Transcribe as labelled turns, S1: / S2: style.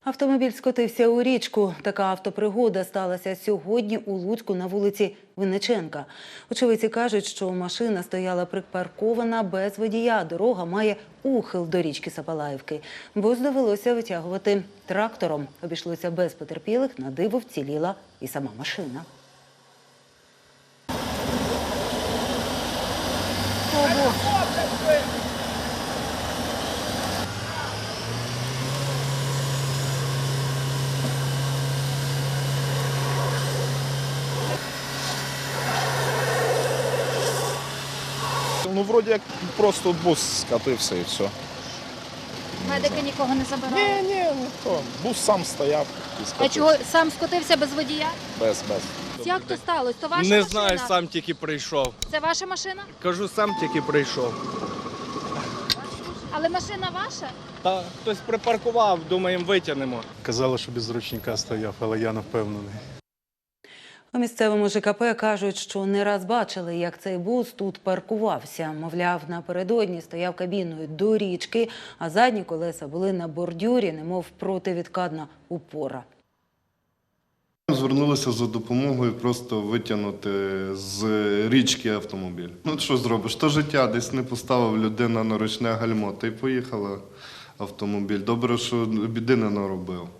S1: Автомобіль скотився у річку. Така автопригода сталася сьогодні у Луцьку на вулиці Винниченка. Очевидці кажуть, що машина стояла припаркована без водія. Дорога має ухил до річки Сапалаївки. Бус довелося витягувати трактором. Обійшлося без потерпілих, на диво вціліла і сама машина.
S2: Ну, вроді як просто бус скатився і все.
S3: Медики нікого не забирали?
S2: Ні, ніхто. Бус сам стояв і
S3: А
S2: скатився.
S3: чого сам скотився без водія?
S2: Без.
S3: Як то сталося? То ваша
S4: Не
S3: машина?
S4: знаю, сам тільки прийшов.
S3: Це ваша машина?
S4: Кажу, сам тільки прийшов.
S3: Але машина ваша?
S4: Та хтось припаркував, думаємо, витягнемо.
S5: Казали, що без ручника стояв, але я не впевнений.
S1: У місцевому ЖКП кажуть, що не раз бачили, як цей бус тут паркувався. Мовляв, напередодні стояв кабіною до річки, а задні колеса були на бордюрі, немов противідкатна упора.
S6: Звернулися за допомогою просто витягнути з річки автомобіль. Ну, що зробиш? То життя, десь не поставив людина на ручне гальмо, та й поїхала автомобіль. Добре, що біди не наробив.